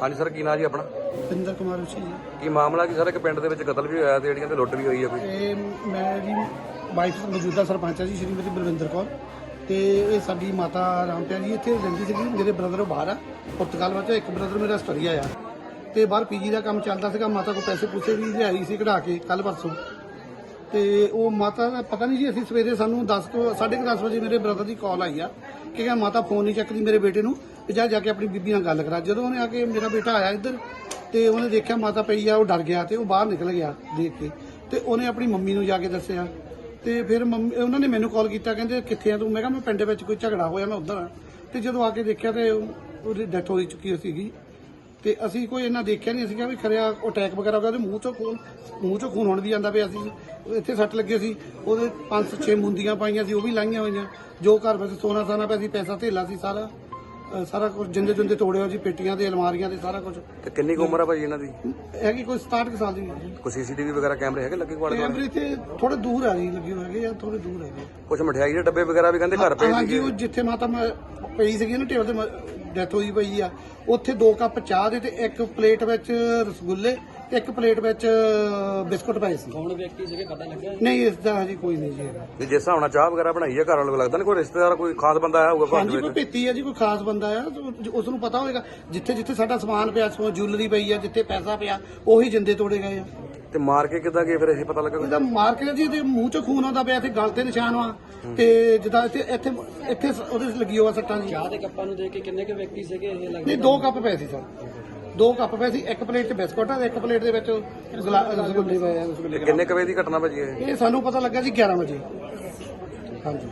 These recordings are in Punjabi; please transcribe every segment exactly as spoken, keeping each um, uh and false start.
ਹਾਂਜੀ ਸਰ, ਕੀ ਨਾਂ ਜੀ ਆਪਣਾ? ਪਿੰਦਰ ਕੁਮਾਰ ਉਸੀ ਜੀ। ਕੀ ਮਾਮਲਾ ਕੀ ਸਰ? ਇੱਕ ਪਿੰਡ ਦੇ ਵਿੱਚ ਕਤਲ ਵੀ ਹੋਇਆ ਤੇ ਜਿਹੜੀਆਂ ਤੇ ਲੁੱਟ ਵੀ ਹੋਈ ਹੈ ਕੋਈ? ਇਹ ਮੈਂ ਜੀ ਵਾਈਫ ਮੌਜੂਦਾ ਸਰਪੰਚ ਹੈ ਜੀ ਸ਼੍ਰੀਮਤੀ ਬਲਵਿੰਦਰ ਕੌਰ, ਤੇ ਇਹ ਸਾਡੀ ਮਾਤਾ ਰਾਮਪਿਆ ਜੀ ਇੱਥੇ ਰਹਿੰਦੀ ਸੀਗੀ। ਮੇਰੇ ਬ੍ਰਦਰ ਬਾਹਰ ਆ ਪੁਰਤਗਾਲ ਵਿੱਚ, ਇੱਕ ਬ੍ਰਦਰ ਮੇਰਾ ਆਸਟ੍ਰੇਲੀਆ ਆ, ਤੇ ਬਾਹਰ ਪੀਜੀ ਦਾ ਕੰਮ ਚੱਲਦਾ ਸੀਗਾ। ਮਾਤਾ ਕੋਲ ਪੈਸੇ ਪੂਸੇ ਵੀ ਲਿਆਈ ਸੀ ਕਢਾ ਕੇ ਕੱਲ ਪਰਸੋਂ, ਤੇ ਉਹ ਮਾਤਾ ਦਾ ਪਤਾ ਨਹੀਂ ਜੀ। ਅਸੀਂ ਸਵੇਰੇ ਸਾਨੂੰ ਦਸ ਤੋਂ ਸਾਢੇ ਕੁ ਦਸ ਵਜੇ ਮੇਰੇ ਬ੍ਰਦਰ ਦੀ ਕਾਲ ਆਈ ਆ ਕਿ ਕਹਿੰਦਾ ਮਾਤਾ ਫੋਨ ਨਹੀਂ ਚੱਕਦੀ ਮੇਰੇ ਬੇਟੇ ਨੂੰ, ਤੇ ਜਾ ਜਾ ਕੇ ਆਪਣੀ ਬੀਬੀ ਨਾਲ ਗੱਲ ਕਰਾ। ਜਦੋਂ ਉਹਨੇ ਆ ਕੇ ਮੇਰਾ ਬੇਟਾ ਆਇਆ ਇੱਧਰ, ਤੇ ਉਹਨੇ ਦੇਖਿਆ ਮਾਤਾ ਪਈ ਆ, ਉਹ ਡਰ ਗਿਆ ਤੇ ਉਹ ਬਾਹਰ ਨਿਕਲ ਗਿਆ ਦੇਖ ਕੇ, ਤੇ ਉਹਨੇ ਆਪਣੀ ਮੰਮੀ ਨੂੰ ਜਾ ਕੇ ਦੱਸਿਆ। ਤੇ ਫਿਰ ਮੰਮੀ ਉਹਨਾਂ ਨੇ ਮੈਨੂੰ ਕਾਲ ਕੀਤਾ, ਕਹਿੰਦੇ ਕਿੱਥੇ ਆ ਤੂੰ? ਮੈਂ ਕਿਹਾ ਮੈਂ ਪਿੰਡ ਵਿੱਚ ਕੋਈ ਝਗੜਾ ਹੋਇਆ, ਮੈਂ ਉੱਧਰ ਆ। ਤੇ ਜਦੋਂ ਆ ਕੇ ਦੇਖਿਆ ਤੇ ਉਹਦੀ ਡੈਥ ਹੋਈ ਚੁੱਕੀ ਸੀਗੀ, ਤੇ ਅਸੀਂ ਕੋਈ ਇਹਨਾਂ ਦੇਖਿਆ ਨਹੀਂ ਸੀਗਾ ਵੀ ਖਰਿਆ ਉਹ ਅਟੈਕ ਵਗੈਰਾ ਹੋ ਗਿਆ। ਉਹਦੇ ਮੂੰਹ ਚੋਂ ਖੂਨ ਮੂੰਹ ਚੋਂ ਖੂਨ ਹੋਣ ਵੀ ਜਾਂਦਾ ਪਿਆ ਸੀ। ਇੱਥੇ ਸੱਟ ਲੱਗੇ ਸੀ, ਉਹਦੇ ਪੰਜ ਛੇ ਮੁੰਦੀਆਂ ਪਾਈਆਂ ਸੀ, ਉਹ ਵੀ ਲਾਈਆਂ ਹੋਈਆਂ। ਜੋ ਘਰ ਵਿੱਚ ਸੋਨਾ ਸਾਨਾ ਪਿਆ ਸੀ, ਪੈਸਾ ਧੇਲਾ ਸੀ, ਸਾਰਾ ਸਾਰਾ ਕੁਝ ਜਿੰਦੇ ਜਿੰਦੇ ਤੋੜੇ ਹੋਏ ਸੀ, ਪੇਟੀਆਂ ਤੇ ਅਲਮਾਰੀਆਂ ਤੇ ਸਾਰਾ ਕੁਝ। ਤੇ ਕਿੰਨੀ ਕੁ ਉਮਰ ਆ ਭਾਜੀ ਇਹਨਾਂ ਦੀ? ਹੈਗੀ ਕੋਈ ਸਤਾਹਠ ਕੁ ਸਾਲ ਦੀ। ਕੋਈ ਸੀਸੀਟੀਵੀ ਵਗੈਰਾ ਕੈਮਰੇ ਹੈਗੇ ਲੱਗੇ ਕੋਲ? ਕੈਮਰੇ ਤੇ ਥੋੜੇ ਦੂਰ ਆ ਜੀ ਲੱਗੇ ਹੋਏ ਹੈਗੇ ਆ, ਥੋੜੇ ਦੂਰ ਹੈਗੇ। ਕੁਝ ਮਠਿਆਈ ਦੇ ਡੱਬੇ ਵਗੈਰਾ ਵੀ ਕਹਿੰਦੇ ਘਰ ਪਏ ਹਾਂਜੀ, ਸੀਗੇ। ਉਹ ਜਿੱਥੇ ਮਾਤਾ ਮ- ਪਈ ਸੀਗੀ ਨਾ ਟੇਬਲ ਤੇ ਡੈਥ ਹੋਈ ਪਈ ਆ, ਉੱਥੇ ਦੋ ਕੱਪ ਚਾਹ ਦੇ ਤੇ ਇੱਕ ਪਲੇਟ ਵਿੱਚ ਰਸਗੁੱਲੇ ਤੇ ਇੱਕ ਪਲੇਟ ਵਿੱਚ ਬਿਸਕੁਟ ਪਏ ਸੀ। ਕੌਣ ਵਿਅਕਤੀ ਸੀਗੇ ਪਤਾ ਲੱਗਿਆ? ਨਹੀਂ, ਇਸ ਦਾ ਹਜੇ ਕੋਈ ਨਹੀਂ ਜੀ ਹੈਗਾ। ਵੀ ਜਿਸ ਹਿਸਾਬ ਨਾਲ ਚਾਹ ਵਗੈਰਾ ਬਣਾਈ ਹੈ ਘਰ ਵਾਲੇ ਲੱਗਦਾ ਨਹੀਂ ਕੋਈ ਰਿਸ਼ਤੇਦਾਰ ਕੋਈ ਖਾਸ ਬੰਦਾ ਆਇਆ ਹੋਊਗਾ ਘਰ ਹਾਂਜੀ, ਦੇ ਕੋਈ ਵਿੱਚ? ਭੇਤੀ ਹੈ ਜੀ, ਕੋਈ ਖਾਸ ਬੰਦਾ ਆ, ਉਸ ਨੂੰ ਪਤਾ ਹੋਏਗਾ। ਜਿੱਥੇ ਜਿੱਥੇ ਸਾਡਾ ਸਮਾਨ ਪਿਆ, ਸੋ ਜੁਐਲਰੀ ਪਈ ਆ, ਜਿੱਥੇ ਪੈਸਾ ਪਿਆ, ਉਹੀ ਜਿੰਦੇ ਤੋੜੇ ਗਏ ਆ। ਤੇ ਮਾਰ ਕੇ ਕਿੱਦਾਂ ਗਏ ਫਿਰ ਇਹ ਪਤਾ ਲੱਗਾ? ਇਹਦਾ ਮਾਰਕੀਟ ਜੀ, ਇਹਦੇ ਮੂੰਹ ਚੋਂ ਖੂਨ ਆਉਂਦਾ ਪਿਆ, ਤੇ ਗਲ ਤੇ ਨਿਸ਼ਾਨ ਵਾ, ਤੇ ਜਿੱਦਾਂ ਇੱਥੇ ਇੱਥੇ ਇੱਥੇ ਉਹਦੇ ਲੱਗੀ ਹੋਆ ਸੱਟਾਂ ਜੀ। ਚਾਹ ਦੇ ਕੱਪਾਂ ਨੂੰ ਦੇਖ ਕੇ ਕਿੰਨੇ ਕੁ ਵਿਅਕਤੀ ਸੀਗੇ ਇਹ ਲੱਗਦਾ? ਨਹੀਂ, ਦੋ ਕੱਪ ਪਏ ਸੀ ਸਰ, ਦੋ ਕੱਪ ਪਏ ਸੀ। ਇੱਕ ਪਲੇਟ 'ਚ ਬਿਸਕੁਟ ਆ ਤੇ ਇੱਕ ਪਲੇਟ ਦੇ ਵਿੱਚ ਗੁਲਾ- ਰਸਗੁੱਲੇ ਪਏ ਆ। ਰਸਗੁੱਲੇ ਕਿੰਨੇ ਕੁ ਵਜੇ ਦੀ ਘਟਨਾ ਭਾਜੀ ਇਹ? ਇਹ ਸਾਨੂੰ ਪਤਾ ਲੱਗਾ ਜੀ ਗਿਆਰਾਂ ਵਜੇ। ਹਾਂਜੀ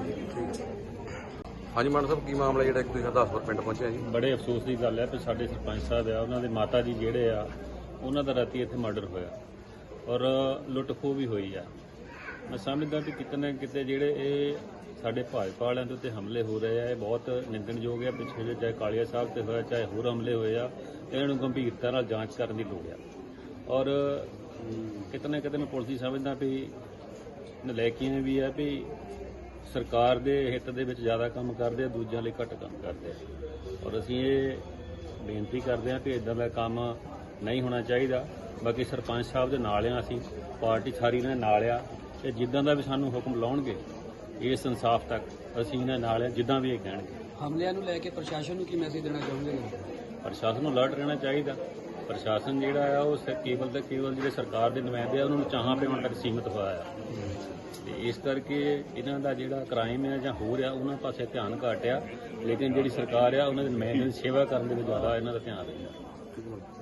ਹਾਂਜੀ ਮਾਨ ਸਾਹਿਬ, ਕੀ ਮਾਮਲਾ ਜਿਹੜਾ ਇੱਕ ਤੁਸੀਂ ਹਰਦਾਸਪੁਰ ਪਿੰਡ ਪਹੁੰਚੇ ਜੀ? ਬੜੇ ਅਫਸੋਸ ਦੀ ਗੱਲ ਹੈ ਕਿ ਸਾਡੇ ਸਰਪੰਚ ਸਾਹਿਬ ਆ, ਉਹਨਾਂ ਦੇ ਮਾਤਾ ਜੀ ਜਿਹੜੇ ਆ, ਉਹਨਾਂ ਦਾ ਰਾਤੀ ਇੱਥੇ ਮਰਡਰ ਹੋਇਆ ਔਰ ਲੁੱਟ ਖੋਹ ਵੀ ਹੋਈ ਆ। ਮੈਂ ਸਮਝਦਾ ਕਿ ਕਿਤੇ ਨਾ ਕਿਤੇ ਜਿਹੜੇ ਇਹ ਸਾਡੇ ਭਾਜਪਾ ਵਾਲਿਆਂ ਦੇ ਉੱਤੇ ਹਮਲੇ ਹੋ ਰਹੇ ਆ, ਇਹ ਬਹੁਤ ਨਿੰਦਣਯੋਗ ਆ। ਪਿੱਛੇ ਜੇ ਚਾਹੇ ਕਾਲੀਆ ਸਾਹਿਬ ਤੇ ਹੋਇਆ, ਚਾਹੇ ਹੋਰ ਹਮਲੇ ਹੋਏ ਆ, ਇਹਨਾਂ ਨੂੰ ਗੰਭੀਰਤਾ ਨਾਲ ਜਾਂਚ ਕਰਨ ਦੀ ਲੋੜ ਆ। ਔਰ ਕਿਤੇ ਨਾ ਕਿਤੇ ਮੈਂ ਪੁਲਿਸ ਦੀ ਸਮਝਦਾ ਵੀ ਨਲਾਇਕੀਆਂ ਵੀ ਆ ਵੀ ਸਰਕਾਰ ਦੇ ਹਿੱਤ ਦੇ ਵਿੱਚ ਜ਼ਿਆਦਾ ਕੰਮ ਕਰਦੇ ਆ, ਦੂਜਿਆਂ ਲਈ ਘੱਟ ਕੰਮ ਕਰਦੇ ਆ। ਔਰ ਅਸੀਂ ਇਹ ਬੇਨਤੀ ਕਰਦੇ ਹਾਂ ਕਿ ਇਦਾਂ ਦਾ ਕੰਮ ਨਹੀਂ ਹੋਣਾ ਚਾਹੀਦਾ। ਬਾਕੀ ਸਰਪੰਚ ਸਾਹਿਬ ਦੇ ਨਾਲ ਆ, ਅਸੀਂ ਪਾਰਟੀ ਸਾਰੀ ਇਹਨਾਂ ਦੇ ਨਾਲ ਆ, ਤੇ ਜਿੱਦਾਂ ਦਾ ਵੀ ਸਾਨੂੰ ਹੁਕਮ ਲਾਉਣਗੇ ਇਸ ਇਨਸਾਫ ਤੱਕ ਅਸੀਂ ਇਹਨਾਂ ਨਾਲ ਆ, ਜਿੱਦਾਂ ਵੀ ਇਹ ਕਹਿਣਗੇ। ਹਮਲਿਆਂ ਨੂੰ ਲੈ ਕੇ ਪ੍ਰਸ਼ਾਸਨ ਨੂੰ ਕੀ ਮੈਸੇਜ ਦੇਣਾ ਚਾਹੁੰਦੇ ਹੋ? ਪ੍ਰਸ਼ਾਸਨ ਨੂੰ ਅਲਰਟ ਰਹਿਣਾ ਚਾਹੀਦਾ। ਪ੍ਰਸ਼ਾਸਨ ਜਿਹੜਾ ਆ ਉਹ ਸਿਰਫ ਕੇਵਲ ਤੇ ਕੇਵਲ ਜਿਹੜੇ ਸਰਕਾਰ ਦੇ ਨੁਮਾਇੰਦੇ ਆ ਉਹਨਾਂ ਨੂੰ ਚਾਹਾਂ ਪਿਆਉਣ ਤੱਕ ਸੀਮਿਤ ਹੋਇਆ ਆ, ਤੇ ਇਸ ਕਰਕੇ ਇਹਨਾਂ ਦਾ ਜਿਹੜਾ ਕ੍ਰਾਈਮ ਹੈ ਜਾਂ ਹੋ ਰਿਹਾ ਉਹਨਾਂ ਪਾਸੇ ਧਿਆਨ ਘੱਟ ਆ। ਲੇਕਿਨ ਜਿਹੜੀ ਸਰਕਾਰ ਆ ਉਹਨਾਂ ਦੇ ਨੁਮਾਇੰਦਿਆਂ ਦੀ ਸੇਵਾ ਕਰਨ ਦੇ ਵਿੱਚ ਜ਼ਿਆਦਾ ਇਹਨਾਂ ਦਾ ਧਿਆਨ ਰਹਿੰਦਾ।